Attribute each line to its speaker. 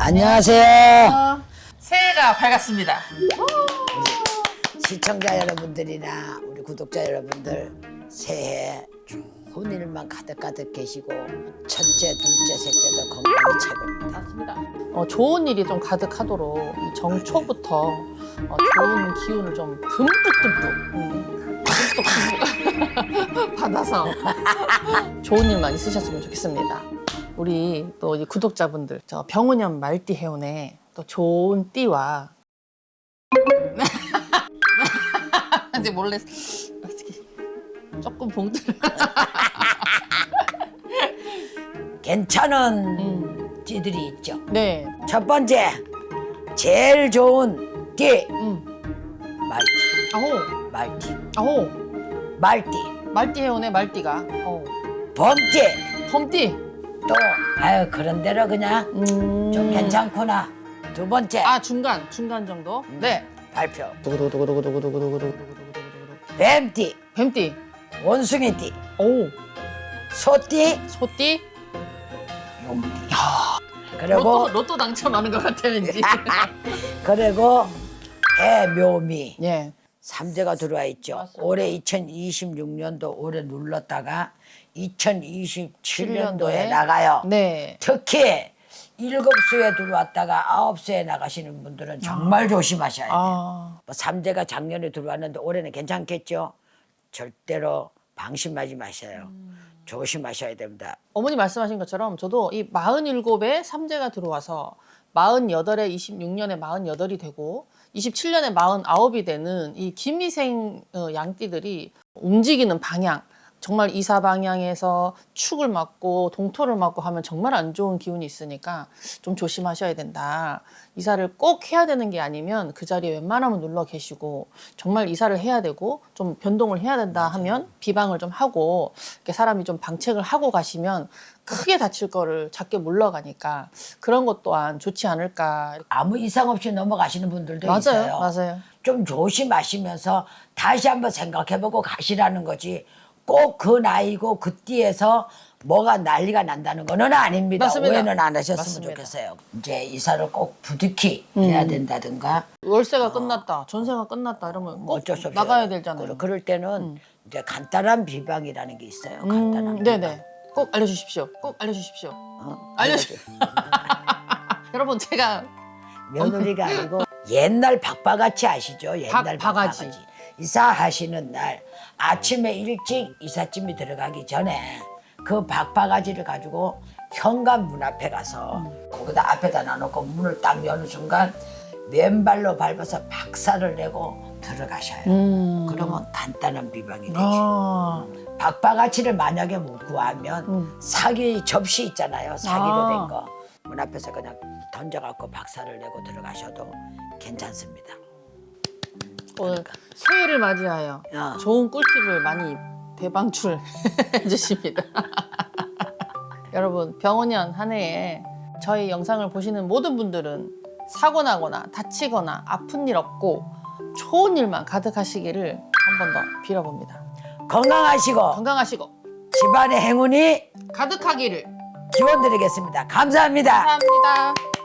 Speaker 1: 안녕하세요.
Speaker 2: 새해가 밝았습니다.
Speaker 1: 시청자 여러분들이나 우리 구독자 여러분들 새해 좋은 일만 가득가득 계시고 첫째, 둘째, 셋째도 건강이 최고입니다.
Speaker 2: 맞습니다. 좋은 일이 좀 가득하도록 이 정초부터 좋은 기운을 좀 듬뿍 받아서 좋은 일만 있으셨으면 좋겠습니다. 우리 또 이 구독자분들, 저 병은현 말띠 해운에 또 좋은 띠와 이제 몰래 조금 봉투를
Speaker 1: 괜찮은 띠들이 있죠.
Speaker 2: 네.
Speaker 1: 첫 번째, 제일 좋은 띠 말띠.
Speaker 2: 아호,
Speaker 1: 말띠.
Speaker 2: 아호.
Speaker 1: 말띠.
Speaker 2: 말띠 해운에 말띠가.
Speaker 1: 범띠.
Speaker 2: 범띠.
Speaker 1: 또 아유 그런 대로 그냥 좀 괜찮구나. 두 번째,
Speaker 2: 중간 정도. 네.
Speaker 1: 발표.
Speaker 2: 두구두구두구두구두구두구두구두구두구두구두구.
Speaker 1: 뱀띠,
Speaker 2: 뱀띠.
Speaker 1: 원숭이띠,
Speaker 2: 오.
Speaker 1: 소띠,
Speaker 2: 소띠.
Speaker 1: 용띠. 그리고
Speaker 2: 로또 당첨하는 것 같아 왠지.
Speaker 1: 그리고 해묘미
Speaker 2: 예.
Speaker 1: 삼재가 들어와 있죠.
Speaker 2: 맞습니다.
Speaker 1: 올해 2026년도 올해 눌렀다가 2027년도에 나가요.
Speaker 2: 네.
Speaker 1: 특히 7수에 들어왔다가 9수에 나가시는 분들은 정말 조심하셔야 돼요. 뭐 삼재가 작년에 들어왔는데 올해는 괜찮겠죠? 절대로 방심하지 마셔요. 조심하셔야 됩니다.
Speaker 2: 어머니 말씀하신 것처럼 저도 이 47에 삼재가 들어와서 48에 26년에 48이 되고 27년에 49이 되는 이 김미생 양띠들이 움직이는 방향, 정말 이사 방향에서 축을 맞고 동토를 맞고 하면 정말 안 좋은 기운이 있으니까 좀 조심하셔야 된다. 이사를 꼭 해야 되는 게 아니면 그 자리에 웬만하면 눌러 계시고 정말 이사를 해야 되고 좀 변동을 해야 된다 하면 비방을 좀 하고 이렇게 사람이 좀 방책을 하고 가시면 크게 다칠 거를 작게 물러가니까 그런 것 또한 좋지 않을까.
Speaker 1: 아무 이상 없이 넘어가시는 분들도
Speaker 2: 맞아요,
Speaker 1: 있어요.
Speaker 2: 맞아요.
Speaker 1: 좀 조심하시면서 다시 한번 생각해보고 가시라는 거지. 꼭 그 나이고 그 띠에서 뭐가 난리가 난다는 거는 아닙니다.
Speaker 2: 맞습니다.
Speaker 1: 오해는 안 하셨으면
Speaker 2: 맞습니다.
Speaker 1: 좋겠어요. 이제 이사를 꼭 부득이 해야 된다든가
Speaker 2: 월세가 끝났다, 전세가 끝났다 이러면 꼭
Speaker 1: 어쩔 수 없이
Speaker 2: 나가야 되잖아요.
Speaker 1: 그럴 때는 이제 간단한 비방이라는 게 있어요. 간단한 비방.
Speaker 2: 네네. 꼭 알려주십시오. 꼭 알려주십시오. 여러분 제가
Speaker 1: 며느리가 아니고 옛날 박바가지 아시죠? 옛날
Speaker 2: 박바가지.
Speaker 1: 이사하시는 날 아침에 일찍 이삿짐이 들어가기 전에 그 박바가지를 가지고 현관 문 앞에 가서 거기다 앞에다 놔놓고 문을 딱 여는 순간 맨발로 밟아서 박살을 내고 들어가셔요. 그러면 간단한 비방이 되죠. 박바가지를 만약에 못 구하면 사기 접시 있잖아요. 사기로 된 거. 문 앞에서 그냥 던져갖고 박살을 내고 들어가셔도 괜찮습니다.
Speaker 2: 오늘 새해를 맞이하여 좋은 꿀팁을 많이 대방출해 주십니다. 여러분 병원년 한 해에 저희 영상을 보시는 모든 분들은 사고 나거나 다치거나 아픈 일 없고 좋은 일만 가득하시기를 한 번 더 빌어봅니다.
Speaker 1: 건강하시고
Speaker 2: 건강하시고
Speaker 1: 집안의 행운이
Speaker 2: 가득하기를
Speaker 1: 기원드리겠습니다. 감사합니다.
Speaker 2: 감사합니다.